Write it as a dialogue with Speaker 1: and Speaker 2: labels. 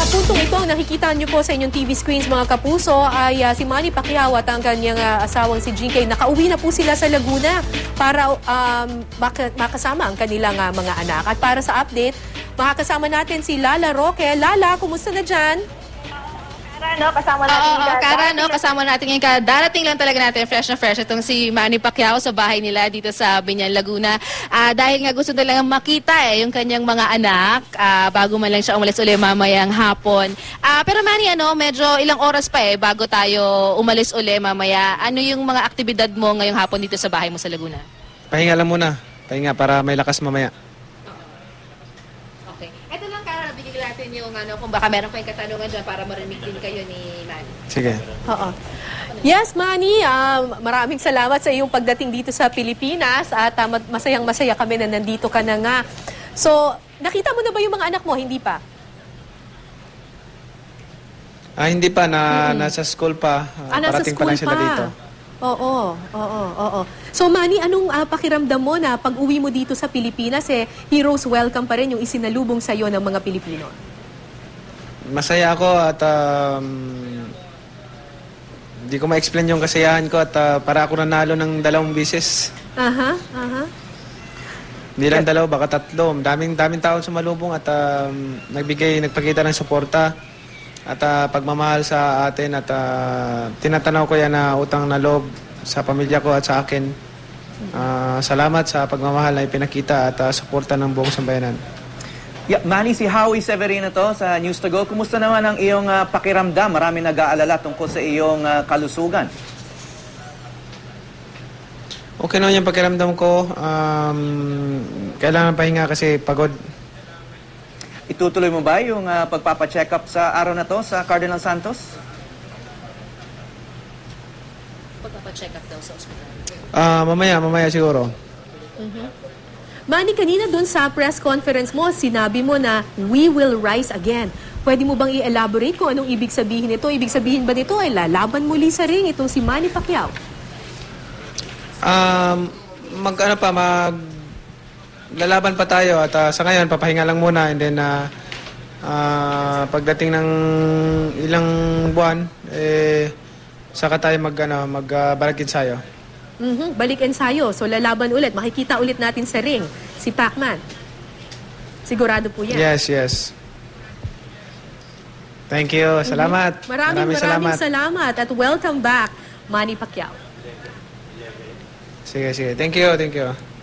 Speaker 1: puntong ito, ang nakikita niyo po sa inyong TV screens mga kapuso ay si Manny Pacquiao at ang kanyang asawang si GK. Nakauwi na po sila sa Laguna para makasama ang kanilang mga anak. At para sa update, makakasama natin si Lala Roque. Lala, kumusta na dyan?
Speaker 2: Kasama natin
Speaker 3: Kara, kasama natin ngayon. Darating lang talaga natin fresh na fresh itong si Manny Pacquiao sa bahay nila dito sa Biñan, Laguna. Dahil nga gusto nilang makita yung kanyang mga anak bago man lang siya umalis ulit mamayang hapon. Pero Manny, medyo ilang oras pa bago tayo umalis ulit mamaya. Ano yung mga aktibidad mo ngayong hapon dito sa bahay mo sa Laguna?
Speaker 4: Pahinga lang muna. Pahinga para may lakas mamaya.
Speaker 3: Ito lang, Kara, bigyan natin yung kung baka meron pa yung katanungan dyan para marinig din kayo ni Manny.
Speaker 4: Sige.
Speaker 1: Oo. Yes, Manny, maraming salamat sa iyong pagdating dito sa Pilipinas at masayang-masaya kami na nandito ka na nga. So, nakita mo na ba yung mga anak mo? Hindi pa?
Speaker 4: Hindi pa. Nasa school pa.
Speaker 1: Nasa
Speaker 4: Parating
Speaker 1: school
Speaker 4: pa lang sila dito.
Speaker 1: Oo. So, Manny, anong pakiramdam mo na pag-uwi mo dito sa Pilipinas, heroes welcome pa rin yung isinalubong sa'yo ng mga Pilipino?
Speaker 4: Masaya ako at hindi ko ma-explain yung kasiyahan ko at para ako nanalo ng 2 beses. Hindi lang 2, baka 3. Daming taon sumalubong at nagpakita ng suporta at pagmamahal sa atin at tinatanaw ko yan na utang na loob sa pamilya ko at sa akin. Salamat sa pagmamahal na ipinakita at suporta ng buong sambayanan.
Speaker 5: Yeah, Manny, si Howie Severino to sa News to Go. Kumusta naman ang iyong pakiramdam? Marami nag-aalala tungkol sa iyong kalusugan.
Speaker 4: Okay naman yung pakiramdam ko. Kailangan pahinga kasi pagod.
Speaker 5: Itutuloy mo ba yung pagpapacheck up sa araw na to sa Cardinal Santos?
Speaker 3: Pagpapacheck up daw sa ospital.
Speaker 4: Mamaya siguro.
Speaker 1: Manny, kanina dun sa press conference mo, sinabi mo na we will rise again. Pwede mo bang i-elaborate kung anong ibig sabihin nito? Ibig sabihin ba nito ay lalaban muli sa ring itong si Manny Pacquiao?
Speaker 4: Lalaban pa tayo at sa ngayon papahinga lang muna and then pagdating ng ilang buwan saka tayo magbalik ensayo.
Speaker 1: Balik ensayo. So lalaban ulit. Makikita ulit natin sa ring si Pacman. Sigurado po yan.
Speaker 4: Yes. Thank you. Salamat.
Speaker 1: Maraming salamat at welcome back, Manny Pacquiao.
Speaker 4: Sige. Thank you.